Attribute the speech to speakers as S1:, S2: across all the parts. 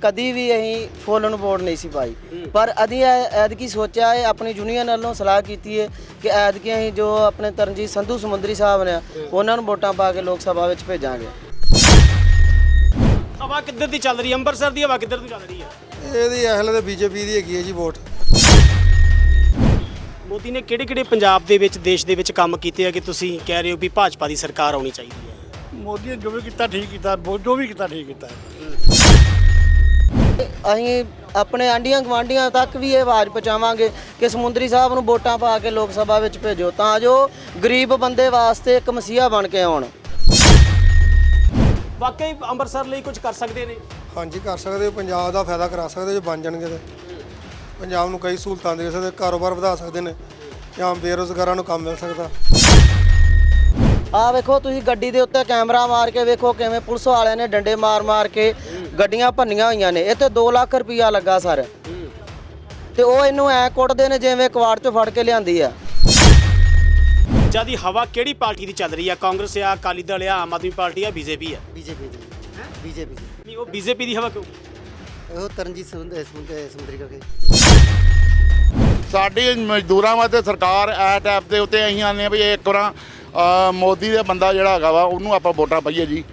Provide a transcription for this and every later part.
S1: कभी भी अं फुल ਨੂੰ ਵੋਟ नहीं सी पाई। पर अभी ऐदकी सोचा है अपनी यूनियन वालों सलाह की है कि ऐदकी अं जो अपने तरनजीत संधू समुंदरी साहब ने उन्होंने वोटां पा के लोक सभा में भेजांगे।
S2: हवा किधर दी चल रही है? अंबरसर दी हवा किधर दी चल रही है?
S3: ਇਹਦੀ ਅਸਲ ਤੇ ਬੀਜੇਪੀ ਦੀ ਹੈਗੀ ਹੈ ਜੀ ਵੋਟ।
S2: ਮੋਦੀ ਨੇ ਕਿਹੜੇ ਪੰਜਾਬ ਦੇ ਵਿੱਚ ਦੇਸ਼ ਦੇ ਵਿੱਚ ਕੰਮ ਕੀਤੇ ਆ ਕਿ ਤੁਸੀਂ ਕਹਿ ਰਹੇ ਹੋ ਵੀ ਭਾਜਪਾ ਦੀ ਸਰਕਾਰ ਆਉਣੀ ਚਾਹੀਦੀ ਹੈ?
S3: ਮੋਦੀ ਨੇ ਜੋ ਵੀ ਕੀਤਾ ਠੀਕ ਕੀਤਾ, ਜੋ ਵੀ ਕੀਤਾ ਠੀਕ ਕੀਤਾ।
S1: ਅਸੀਂ ਆਪਣੇ ਆਂਡੀਆਂ ਗਵਾਂਡੀਆਂ ਤੱਕ ਵੀ ਇਹ ਆਵਾਜ਼ ਪਹੁੰਚਾਵਾਂਗੇ ਕਿ ਸਮੁੰਦਰੀ ਸਾਹਿਬ ਨੂੰ ਵੋਟਾਂ ਪਾ ਕੇ ਲੋਕ ਸਭਾ ਵਿੱਚ ਭੇਜੋ ਤਾਂ ਜੋ ਗਰੀਬ ਬੰਦੇ ਵਾਸਤੇ ਇੱਕ ਮਸੀਹਾ ਬਣ ਕੇ ਆਉਣ।
S2: ਵਾਕਈ ਅੰਮ੍ਰਿਤਸਰ ਲਈ ਕੁਝ ਕਰ ਸਕਦੇ ਨੇ?
S3: ਹਾਂਜੀ ਕਰ ਸਕਦੇ ਹੋ, ਪੰਜਾਬ ਦਾ ਫਾਇਦਾ ਕਰਾ ਸਕਦੇ ਜੇ ਬਣ ਜਾਣਗੇ ਤੇ ਪੰਜਾਬ ਨੂੰ ਕਈ ਸਹੂਲਤਾਂ ਦੇ ਸਕਦੇ, ਕਾਰੋਬਾਰ ਵਧਾ ਸਕਦੇ ਨੇ ਜਾਂ ਬੇਰੁਜ਼ਗਾਰਾਂ ਨੂੰ ਕੰਮ ਮਿਲ ਸਕਦਾ।
S1: ਆ ਵੇਖੋ ਤੁਸੀਂ ਗੱਡੀ ਦੇ ਉੱਤੇ ਕੈਮਰਾ ਮਾਰ ਕੇ ਵੇਖੋ ਕਿਵੇਂ ਪੁਲਿਸ ਵਾਲਿਆਂ ਨੇ ਡੰਡੇ ਮਾਰ ਕੇ ਗੱਡੀਆਂ ਭੰਨੀਆਂ ਹੋਈਆਂ ਨੇ। ਇੱਥੇ 2 ਲੱਖ ਰੁਪਈਆ ਲੱਗਾ ਸਰ ਤੇ ਉਹ ਇਹਨੂੰ ਐ ਕੁੱਟਦੇ ਨੇ ਜਿਵੇਂ ਕਵਾੜ ਚੋਂ ਫੜ ਕੇ ਲਿਆਂਦੀ ਆ।
S2: ਜਿਆਦੀ ਹਵਾ ਕਿਹੜੀ ਪਾਰਟੀ ਦੀ ਚੱਲ ਰਹੀ ਆ? ਕਾਂਗਰਸ ਆ, ਅਕਾਲੀ ਦਲ ਆ, ਆਮ ਆਦਮੀ ਪਾਰਟੀ ਆ, ਬੀਜੇਪੀ ਆ?
S1: ਬੀਜੇਪੀ
S2: ਨਹੀਂ ਉਹ ਬੀਜੇਪੀ ਦੀ ਹਵਾ ਕਿਉਂ?
S1: ਉਹ ਤਰਨਜੀਤ ਸਮੁੰਦਰੀ ਕਰਕੇ
S4: ਸਾਡੀ ਮਜ਼ਦੂਰਾਂ ਵਾਸਤੇ ਸਰਕਾਰ ਐ ਟੈਪ ਦੇ ਉੱਤੇ ਅਸੀਂ ਆਨੇ ਆ ਵੀ ਇੱਕ ਵਾਰ ਮੋਦੀ ਦਾ ਬੰਦਾ ਜਿਹੜਾ ਹੈਗਾ ਵਾ ਉਹਨੂੰ ਆਪਾਂ ਵੋਟਾਂ ਪਾਈਏ ਜੀ।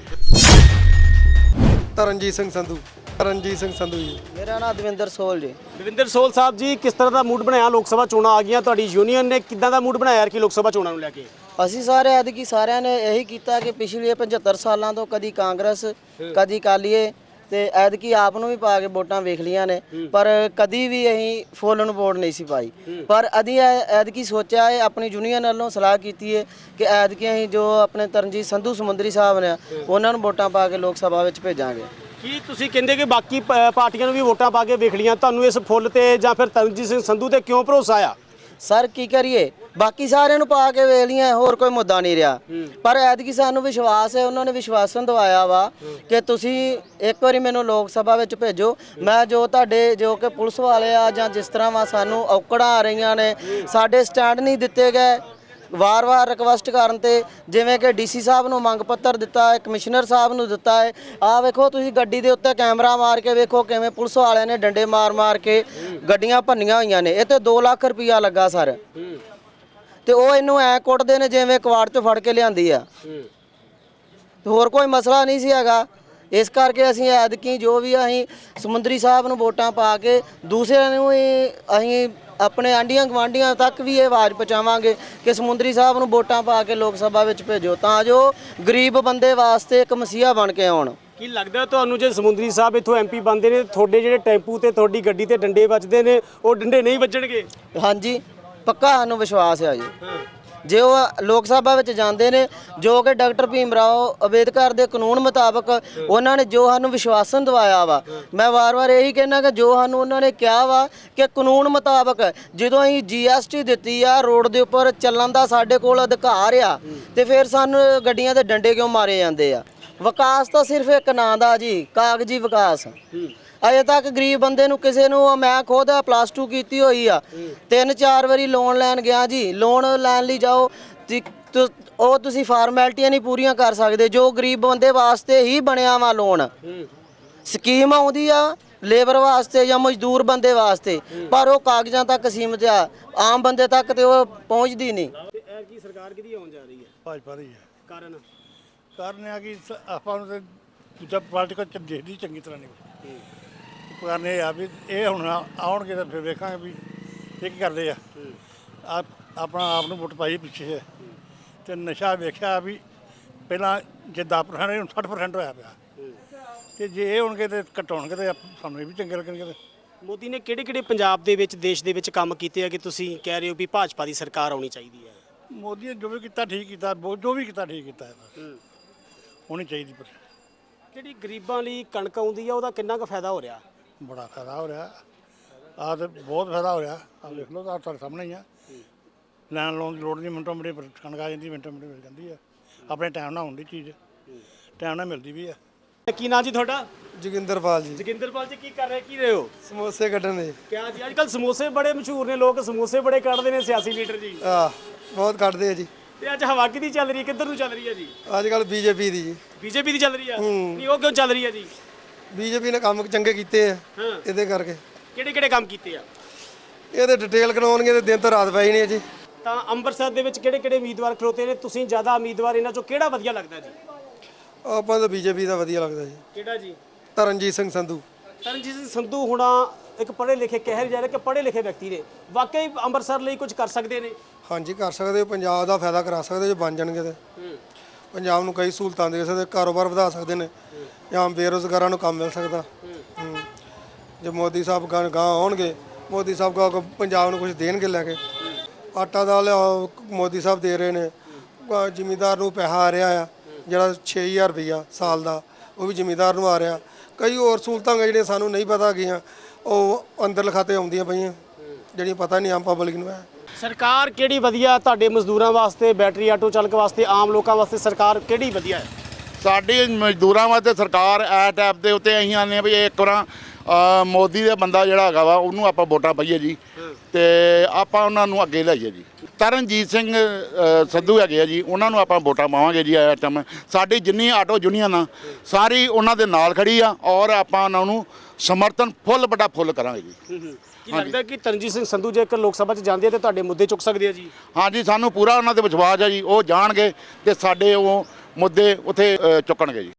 S3: ਤਰਨਜੀਤ ਸਿੰਘ ਸੰਧੂ ਜੀ।
S1: ਮੇਰਾ ਨਾਮ ਦਵਿੰਦਰ ਸੋਲ ਜੀ।
S2: ਦਵਿੰਦਰ ਸੋਲ ਸਾਹਿਬ ਜੀ, ਕਿਸ ਤਰ੍ਹਾਂ ਦਾ ਮੂਡ ਬਣਾਇਆ? ਲੋਕ ਸਭਾ ਚੋਣਾਂ ਆ ਗਈਆਂ, ਤੁਹਾਡੀ ਯੂਨੀਅਨ ਨੇ ਕਿੱਦਾਂ ਦਾ ਮੂਡ ਬਣਾਇਆ ਕਿ ਲੋਕ ਸਭਾ ਚੋਣਾਂ ਨੂੰ ਲੈ ਕੇ?
S1: ਅਸੀਂ ਸਾਰੇ ਐਤਕੀ ਸਾਰਿਆਂ ਨੇ ਇਹੀ ਕੀਤਾ ਕਿ ਪਿਛਲੇ 75 ਸਾਲਾਂ ਤੋਂ ਕਦੀ ਕਾਂਗਰਸ ਕਦੀ ਅਕਾਲੀਏ ਤੇ ਐਤਕੀ ਆਪ ਨੂੰ ਵੀ ਪਾ ਕੇ ਵੋਟਾਂ ਵੇਖ ਲੀਆਂ ਨੇ ਪਰ ਕਦੀ ਵੀ ਅਸੀਂ ਫੁੱਲ ਨੂੰ ਵੋਟ ਨਹੀਂ ਸੀ ਪਾਈ। ਪਰ ਅਸੀਂ ਐਤਕੀ ਸੋਚਿਆ ਹੈ ਆਪਣੀ ਯੂਨੀਅਨ ਵੱਲੋਂ ਸਲਾਹ ਕੀਤੀ ਹੈ ਕਿ ਐਤਕੀ ਅਸੀਂ ਜੋ ਆਪਣੇ ਤਰਨਜੀਤ ਸੰਧੂ ਸਮੁੰਦਰੀ ਸਾਹਿਬ ਨੇ ਉਹਨਾਂ ਨੂੰ ਵੋਟਾਂ ਪਾ ਕੇ ਲੋਕ ਸਭਾ ਵਿੱਚ ਭੇਜਾਂਗੇ।
S2: ਕੀ ਤੁਸੀਂ ਕਹਿੰਦੇ ਕਿ ਬਾਕੀ ਪਾਰਟੀਆਂ ਨੂੰ ਵੀ ਵੋਟਾਂ ਪਾ ਕੇ ਵੇਖ ਲੀਆਂ, ਤੁਹਾਨੂੰ ਇਸ ਫੁੱਲ ਤੇ ਜਾਂ ਫਿਰ ਤਰਨਜੀਤ ਸਿੰਘ ਸੰਧੂ ਤੇ ਕਿਉਂ ਭਰੋਸਾ ਆ?
S1: ਸਰ ਕੀ ਕਰੀਏ, ਬਾਕੀ ਸਾਰਿਆਂ ਨੂੰ ਪਾ ਕੇ ਵੇਖ ਲੀਆਂ, ਹੋਰ ਕੋਈ ਮੁੱਦਾ ਨਹੀਂ ਰਿਹਾ। ਪਰ ਐਤਕੀ ਸਾਨੂੰ ਵਿਸ਼ਵਾਸ ਹੈ, ਉਹਨਾਂ ਨੇ ਵਿਸ਼ਵਾਸਨ ਦਵਾਇਆ ਵਾ ਕਿ ਤੁਸੀਂ ਇੱਕ ਵਾਰੀ ਮੈਨੂੰ ਲੋਕ ਸਭਾ ਵਿੱਚ ਭੇਜੋ। ਮੈਂ ਜੋ ਤੁਹਾਡੇ ਜੋ ਕਿ ਪੁਲਿਸ ਵਾਲੇ ਆ ਜਾਂ ਜਿਸ ਤਰ੍ਹਾਂ ਵਾ ਸਾਨੂੰ ਔਕੜਾਂ ਆ ਰਹੀਆਂ ਨੇ, ਸਾਡੇ ਸਟੈਂਡ ਨਹੀਂ ਦਿੱਤੇ ਗਏ ਵਾਰ-ਵਾਰ ਰਿਕਵੈਸਟ ਕਰਨ ਤੇ, ਜਿਵੇਂ ਕਿ ਡੀਸੀ ਸਾਹਿਬ ਨੂੰ ਮੰਗ ਪੱਤਰ ਦਿੱਤਾ ਹੈ, ਕਮਿਸ਼ਨਰ ਸਾਹਿਬ ਨੂੰ ਦਿੱਤਾ ਹੈ। ਆਹ ਵੇਖੋ ਤੁਸੀਂ ਗੱਡੀ ਦੇ ਉੱਤੇ ਕੈਮਰਾ ਮਾਰ ਕੇ ਵੇਖੋ ਕਿਵੇਂ ਪੁਲਿਸ ਵਾਲਿਆਂ ਨੇ ਡੰਡੇ ਮਾਰ ਕੇ ਗੱਡੀਆਂ ਭੰਨੀਆਂ ਹੋਈਆਂ ਨੇ। ਇੱਥੇ 2 ਲੱਖ ਰੁਪਈਆ ਲੱਗਾ ਸਰ ਤੇ ਉਹ ਇਹਨੂੰ ਐ ਕੁੱਟਦੇ ਨੇ ਜਿਵੇਂ ਕਵਾੜ ਚੋਂ ਫੜ ਕੇ ਲਿਆਂਦੀ ਆ। ਹੋਰ ਕੋਈ ਮਸਲਾ ਨਹੀਂ ਸੀ ਹੈਗਾ। ਇਸ ਕਰਕੇ ਅਸੀਂ ਐਤਕੀ ਜੋ ਵੀ ਅਸੀਂ ਸਮੁੰਦਰੀ ਸਾਹਿਬ ਨੂੰ ਵੋਟਾਂ ਪਾ ਕੇ ਦੂਸਰਿਆਂ ਨੂੰ ਅਸੀਂ ਆਪਣੇ ਆਂਡੀਆਂ ਗਵਾਂਡੀਆਂ ਤੱਕ ਵੀ ਇਹ ਆਵਾਜ਼ ਪਹੁੰਚਾਵਾਂਗੇ ਕਿ ਸਮੁੰਦਰੀ ਸਾਹਿਬ ਨੂੰ ਵੋਟਾਂ ਪਾ ਕੇ ਲੋਕ ਸਭਾ ਵਿੱਚ ਭੇਜੋ ਤਾਂ ਜੋ ਗਰੀਬ ਬੰਦੇ ਵਾਸਤੇ ਇੱਕ ਮਸੀਹਾ ਬਣ ਕੇ ਆਉਣ।
S2: ਕੀ ਲੱਗਦਾ ਤੁਹਾਨੂੰ ਜੇ ਸਮੁੰਦਰੀ ਸਾਹਿਬ ਇੱਥੋਂ ਐਮਪੀ ਬਣਦੇ ਨੇ, ਤੁਹਾਡੇ ਜਿਹੜੇ ਟੈਂਪੂ ਤੇ ਤੁਹਾਡੀ ਗੱਡੀ ਤੇ ਡੰਡੇ ਵੱਜਦੇ ਨੇ ਉਹ ਡੰਡੇ ਨਹੀਂ ਵੱਜਣਗੇ?
S1: ਹਾਂਜੀ ਪੱਕਾ ਸਾਨੂੰ ਵਿਸ਼ਵਾਸ ਹੈ ਜੀ। ਜੇ ਉਹ ਲੋਕ ਸਭਾ ਵਿੱਚ ਜਾਂਦੇ ਨੇ ਜੋ ਕਿ ਡਾਕਟਰ ਭੀਮ ਰਾਓ ਅੰਬੇਦਕਰ ਦੇ ਕਾਨੂੰਨ ਮੁਤਾਬਕ ਉਹਨਾਂ ਨੇ ਜੋ ਸਾਨੂੰ ਵਿਸ਼ਵਾਸਨ ਦਵਾਇਆ ਵਾ, ਮੈਂ ਵਾਰ-ਵਾਰ ਇਹੀ ਕਹਿਣਾ ਕਿ ਜੋ ਸਾਨੂੰ ਉਹਨਾਂ ਨੇ ਕਿਹਾ ਵਾ ਕਿ ਕਾਨੂੰਨ ਮੁਤਾਬਕ ਜਦੋਂ ਅਸੀਂ GST ਦਿੱਤੀ ਆ ਰੋਡ ਦੇ ਉੱਪਰ ਚੱਲਣ ਦਾ ਸਾਡੇ ਕੋਲ ਅਧਿਕਾਰ ਆ ਤੇ ਫਿਰ ਸਾਨੂੰ ਗੱਡੀਆਂ ਦੇ ਡੰਡੇ ਕਿਉਂ ਮਾਰੇ ਜਾਂਦੇ ਆ? ਵਿਕਾਸ ਤਾਂ ਸਿਰਫ ਇੱਕ ਨਾਂ ਦਾ ਜੀ, ਕਾਗਜ਼ੀ ਵਿਕਾਸ। ਅਜੇ ਤੱਕ ਗਰੀਬ ਬੰਦੇ ਨੂੰ ਕਿਸੇ ਨੂੰ, ਮੈਂ ਖੁਦ +2 ਕੀਤੀ ਹੋਈ ਆ, 3-4 ਵਾਰੀ ਲੋਨ ਲੈਣ ਗਿਆ ਜੀ। ਲੋਨ ਲੈਣ ਲਈ ਜਾਓ ਉਹ ਤੁਸੀਂ ਫਾਰਮੈਲਿਟੀਆਂ ਨਹੀਂ ਪੂਰੀਆਂ ਕਰ ਸਕਦੇ ਜੋ ਗਰੀਬ ਬੰਦੇ ਵਾਸਤੇ ਹੀ ਬਣਿਆ ਵਾ ਲੋਨ। ਸਕੀਮ ਆਉਂਦੀ ਆ ਲੇਬਰ ਵਾਸਤੇ ਜਾਂ ਮਜ਼ਦੂਰ ਬੰਦੇ ਵਾਸਤੇ ਪਰ ਉਹ ਕਾਗਜ਼ਾਂ ਤੱਕ ਸੀਮਿਤ ਆ, ਆਮ ਬੰਦੇ ਤੱਕ ਤੇ ਉਹ ਪਹੁੰਚਦੀ ਨਹੀਂ।
S2: ਇਹ ਕੀ ਸਰਕਾਰ ਕਿਹਦੀ ਆਉਣ ਜਾ ਰਹੀ ਹੈ?
S3: ਭਾਜਪਾ ਦੀ ਹੈ।
S2: ਕਾਰਨ
S3: ਆ ਕਿ ਆਪਾਂ ਨੂੰ ਤੇ ਦੂਜਾ ਪੋਲੀਟੀਕਲ ਦੇਖਦੀ ਚੰਗੀ ਤਰ੍ਹਾਂ ਨਹੀਂ। ਕਾਰਨ ਇਹ ਆ ਵੀ ਇਹ ਹੁਣ ਆਉਣਗੇ ਤਾਂ ਫਿਰ ਵੇਖਾਂਗੇ ਵੀ ਇਹ ਕੀ ਕਰਦੇ ਆ। ਆਪਣਾ ਆਪ ਨੂੰ ਵੋਟ ਪਾਈ ਪਿੱਛੇ ਤੇ ਨਸ਼ਾ ਵੇਖਿਆ ਵੀ ਪਹਿਲਾਂ ਜੇ 10% ਹੁਣ 60% ਹੋਇਆ ਪਿਆ ਤੇ ਜੇ ਇਹ ਹੋਣਗੇ ਤੇ ਘਟਾਉਣਗੇ ਤੇ ਸਾਨੂੰ ਇਹ ਵੀ ਚੰਗੇ ਲੱਗਣਗੇ।
S2: ਮੋਦੀ ਨੇ ਕਿਹੜੇ ਪੰਜਾਬ ਦੇ ਵਿੱਚ ਦੇਸ਼ ਦੇ ਵਿੱਚ ਕੰਮ ਕੀਤੇ ਆ ਕਿ ਤੁਸੀਂ ਕਹਿ ਰਹੇ ਹੋ ਵੀ ਭਾਜਪਾ ਦੀ ਸਰਕਾਰ ਆਉਣੀ ਚਾਹੀਦੀ ਹੈ?
S3: ਮੋਦੀ ਨੇ ਜੋ ਵੀ ਕੀਤਾ ਠੀਕ ਕੀਤਾ, ਜੋ ਵੀ ਕੀਤਾ ਠੀਕ ਕੀਤਾ ਹੋਣੀ ਚਾਹੀਦੀ। ਪਰ
S2: ਜਿਹੜੀ ਗਰੀਬਾਂ ਲਈ ਕਣਕ ਆਉਂਦੀ ਆ ਉਹਦਾ ਕਿੰਨਾ ਕੁ ਫਾਇਦਾ ਹੋ ਰਿਹਾ?
S3: ਬੜਾ ਫਾਇਦਾ ਹੋ ਰਿਹਾ, ਆਹ ਤੇ ਬਹੁਤ ਫਾਇਦਾ ਹੋ ਰਿਹਾ। ਆਹ ਦੇਖ ਲਓ, ਤੁਹਾਡੇ ਸਾਹਮਣੇ ਹੀ ਆ। ਲੈਣ ਲਾਉਣ ਦੀ ਲੋੜ ਨਹੀਂ, ਮਿੰਟੋ ਮਿੰਟ ਕਣਕ ਆ ਜਾਂਦੀ, ਮਿੰਟੋ ਮਿੰਟ ਮਿਲ ਜਾਂਦੀ ਆ। ਆਪਣੇ ਟਾਈਮ ਨਾਲ ਹੁੰਦੀ ਚੀਜ਼, ਟਾਈਮ ਨਾਲ ਮਿਲਦੀ ਵੀ ਆ।
S2: ਕੀ ਨਾਂ ਜੀ ਤੁਹਾਡਾ?
S3: ਜੋਗਿੰਦਰਪਾਲ ਜੀ।
S2: ਜੋਗਿੰਦਰਪਾਲ ਜੀ, ਕੀ ਕਰ ਰਹੇ ਹੋ?
S3: ਸਮੋਸੇ ਕੱਢਣ ਦੇ।
S2: ਕਿਆ ਜੀ, ਅੱਜ ਕੱਲ੍ਹ ਸਮੋਸੇ ਬੜੇ ਮਸ਼ਹੂਰ ਨੇ, ਲੋਕ ਸਮੋਸੇ ਬੜੇ ਕੱਢਦੇ ਨੇ, ਸਿਆਸੀ ਲੀਡਰ ਜੀ।
S3: ਬਹੁਤ ਕੱਢਦੇ ਆ ਜੀ।
S2: ਤੇ ਅੱਜ ਹਵਾ ਕਿਹਦੀ ਚੱਲ ਰਹੀ ਹੈ, ਕਿੱਧਰ ਨੂੰ ਚੱਲ ਰਹੀ ਹੈ ਜੀ?
S3: ਅੱਜ ਕੱਲ੍ਹ ਬੀਜੇਪੀ ਦੀ ਜੀ।
S2: ਬੀਜੇਪੀ ਦੀ ਚੱਲ ਰਹੀ ਆ? ਨਹੀਂ ਉਹ ਕਿਉਂ ਚੱਲ ਰਹੀ ਹੈ ਜੀ?
S5: ਬੀਜੇਪੀ ਨੇ ਕੰਮ ਚੰਗੇ ਕੀਤੇ ਆ
S2: ਹਾਂ।
S5: ਇਹਦੇ ਕਰਕੇ।
S2: ਕਿਹੜੇ ਕੰਮ ਕੀਤੇ ਆ?
S5: ਇਹਦੇ ਡਿਟੇਲ ਕਰਾਉਣਗੇ ਤੇ ਦਿਨ ਤਾਂ ਰਾਤ ਪੈ ਹੀ ਨਹੀਂ ਜੀ।
S2: ਤਾਂ ਅੰਮ੍ਰਿਤਸਰ ਦੇ ਵਿੱਚ ਕਿਹੜੇ ਉਮੀਦਵਾਰ ਖਲੋਤੇ ਨੇ? ਤੁਸੀਂ ਜ਼ਿਆਦਾ ਉਮੀਦਵਾਰ ਇਹਨਾਂ ਚੋਂ ਕਿਹੜਾ ਵਧੀਆ ਲੱਗਦਾ ਜੀ?
S5: ਆਪਾਂ ਤਾਂ ਬੀਜੇਪੀ ਦਾ ਵਧੀਆ ਲੱਗਦਾ ਜੀ।
S2: ਕਿਹੜਾ ਜੀ?
S5: ਤਰਨਜੀਤ ਸਿੰਘ ਸੰਧੂ।
S2: ਤਰਨਜੀਤ ਸਿੰਘ ਸੰਧੂ ਹੁਣਾ ਇੱਕ ਪੜ੍ਹੇ ਲਿਖੇ ਕਹਿ ਜਾ ਰਹੇ ਕਿ ਪੜ੍ਹੇ ਲਿਖੇ ਵਿਅਕਤੀ ਨੇ, ਵਾਕਈ ਅੰਮ੍ਰਿਤਸਰ ਲਈ ਕੁਝ ਕਰ ਸਕਦੇ ਨੇ?
S5: ਹਾਂਜੀ ਕਰ ਸਕਦੇ ਹੋ, ਪੰਜਾਬ ਦਾ ਫਾਇਦਾ ਕਰਾ ਸਕਦੇ ਜੇ ਬਣ ਜਾਣਗੇ ਤੇ। ਪੰਜਾਬ ਨੂੰ ਕਈ ਸਹੂਲਤਾਂ ਦੇ ਸਕਦੇ, ਕਾਰੋਬਾਰ ਵਧਾ ਸਕਦੇ ਨੇ, ਜਾਂ ਬੇਰੁਜ਼ਗਾਰਾਂ ਨੂੰ ਕੰਮ ਮਿਲ ਸਕਦਾ। ਜੇ ਮੋਦੀ ਸਾਹਿਬ ਗਾਂ ਆਉਣਗੇ, ਮੋਦੀ ਸਾਹਿਬ ਕਾ ਪੰਜਾਬ ਨੂੰ ਕੁਝ ਦੇਣਗੇ ਲੈ ਕੇ। ਆਟਾ ਦਾਲ ਮੋਦੀ ਸਾਹਿਬ ਦੇ ਰਹੇ ਨੇ, ਜ਼ਿਮੀਂਦਾਰ ਨੂੰ ਪੈਸਾ ਆ ਰਿਹਾ ਆ ਜਿਹੜਾ 6000 ਰੁਪਈਆ ਸਾਲ ਦਾ, ਉਹ ਵੀ ਜ਼ਿਮੀਂਦਾਰ ਨੂੰ ਆ ਰਿਹਾ। ਕਈ ਹੋਰ ਸਹੂਲਤਾਂ ਜਿਹੜੀਆਂ ਸਾਨੂੰ ਨਹੀਂ ਪਤਾ ਹੈਗੀਆਂ, ਉਹ ਅੰਦਰ ਖਾਤੇ ਆਉਂਦੀਆਂ ਪਈਆਂ, ਜਿਹੜੀਆਂ ਪਤਾ ਨਹੀਂ ਆਮ ਪਬਲਿਕ ਨੂੰ ਹੈ।
S2: ਸਰਕਾਰ ਕਿਹੜੀ ਵਧੀਆ ਤੁਹਾਡੇ ਮਜ਼ਦੂਰਾਂ ਵਾਸਤੇ, ਬੈਟਰੀ ਆਟੋ ਚਾਲਕ ਵਾਸਤੇ, ਆਮ ਲੋਕਾਂ ਵਾਸਤੇ ਸਰਕਾਰ ਕਿਹੜੀ ਵਧੀਆ ਹੈ?
S4: ਸਾਡੀ ਮਜ਼ਦੂਰਾਂ ਵਾਸਤੇ ਸਰਕਾਰ ਐਟ ਐਪ ਦੇ ਉੱਤੇ ਅਸੀਂ ਆਨੇ ਆ ਵੀ ਇੱਕ ਵਾਰ ਮੋਦੀ ਦਾ ਬੰਦਾ ਜਿਹੜਾ ਹੈਗਾ ਵਾ ਉਹਨੂੰ ਆਪਾਂ ਵੋਟਾਂ ਪਾਈਏ ਜੀ, ਤੇ ਆਪਾਂ ਉਹਨਾਂ ਨੂੰ ਅੱਗੇ ਲਿਆਈਏ ਜੀ। ਤਰਨਜੀਤ ਸਿੰਘ ਸੰਧੂ ਹੈਗੇ ਆ ਜੀ, ਉਹਨਾਂ ਨੂੰ ਆਪਾਂ ਵੋਟਾਂ ਪਾਵਾਂਗੇ ਜੀ। ਇਸ ਟਾਈਮ ਸਾਡੀ ਜਿੰਨੀ ਆਟੋ ਯੂਨੀਅਨ ਆ ਸਾਰੀ ਉਹਨਾਂ ਦੇ ਨਾਲ ਖੜੀ ਆ, ਔਰ ਆਪਾਂ ਉਹਨਾਂ ਨੂੰ ਸਮਰਥਨ ਫੁੱਲ ਕਰਾਂਗੇ ਜੀ।
S2: ਕੀ ਲੱਗਦਾ ਕਿ ਤਰਨਜੀਤ ਸਿੰਘ ਸੰਧੂ ਜੇਕਰ ਲੋਕ ਸਭਾ 'ਚ ਜਾਂਦੇ ਆ ਤੇ ਤੁਹਾਡੇ ਮੁੱਦੇ ਚੁੱਕ ਸਕਦੇ ਆ ਜੀ?
S4: ਹਾਂਜੀ, ਸਾਨੂੰ ਪੂਰਾ ਉਹਨਾਂ ਤੇ ਵਿਸ਼ਵਾਸ ਹੈ ਜੀ, ਉਹ ਜਾਣਗੇ ਤੇ ਸਾਡੇ ਉਹ ਮੁੱਦੇ ਉੱਥੇ ਚੁੱਕਣਗੇ ਜੀ।